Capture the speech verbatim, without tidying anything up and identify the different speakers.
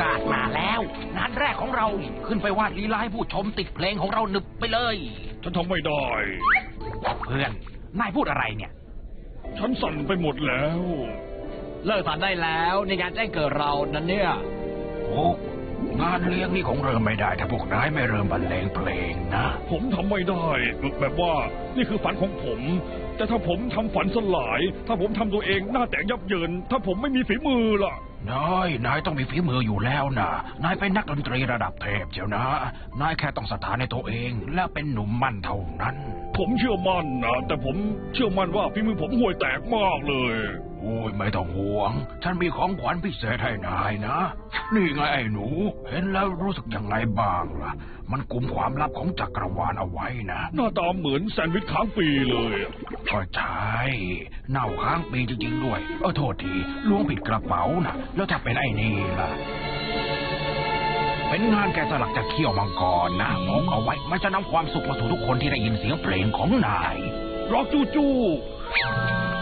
Speaker 1: าสมาแล้วงานแรกของเราขึ้นไปวาดลีลาให้ผู้ชมติดเพลงของเราหนึบไปเลย
Speaker 2: ฉันทำไม่ได้
Speaker 1: เพื่อนนายพูดอะไรเนี่ย
Speaker 2: ฉันสั่นไปหมดแล้ว
Speaker 3: เลิกสั่นได้แล้วในงานแจ้งเกิดเรานั่นเนี่ย
Speaker 1: โอ้งานเลี้ยงนี่คงเริ่มไม่ได้ถ้าพวกนายไม่เริ่มบรรเลงเพลงนะ
Speaker 2: ผมทำไม่ได้แบบว่านี่คือฝันของผมแต่ถ้าผมทำฝันสลายถ้าผมทำตัวเองหน้าแตกยับเยินถ้าผมไม่มีฝีมือล่ะ
Speaker 1: นายนายต้องมีฝีมืออยู่แล้วนะนายเป็นนักดนตรีระดับเทพเจ้านะนายแค่ต้องศรัทธาในตัวเองและเป็นหนุ่มมั่นเท่านั้น
Speaker 2: ผมเชื่อมั่นนะแต่ผมเชื่อมั่นว่าฝีมือผมห่วยแตกมากเลย
Speaker 1: โอ้ยไม่ต้องห่วงฉันมีของขวัญพิเศษให้นายนะนี่ไงไอ้หนูเห็นแล้วรู้สึกยังไงบ้างล่ะมันกุมความลับของจักรวาลเอาไว้นะ
Speaker 2: หน้าตาเหมือนแซนด์วิชค้างปีเลย
Speaker 1: ก็ใช่เน่าค้างปีจริงๆด้วยเออโทษทีล้วงผิดกระเป๋านะแล้วถ้าเป็นไอ้นี่ล่ะเป็นงานแกะสลักจากเขี้ยวมังกรนะมองเอาไว้มันจะนำความสุขมาสู่ทุกคนที่ได้ยินเสียงเพลงของนาย
Speaker 2: ร็อกจู้จู้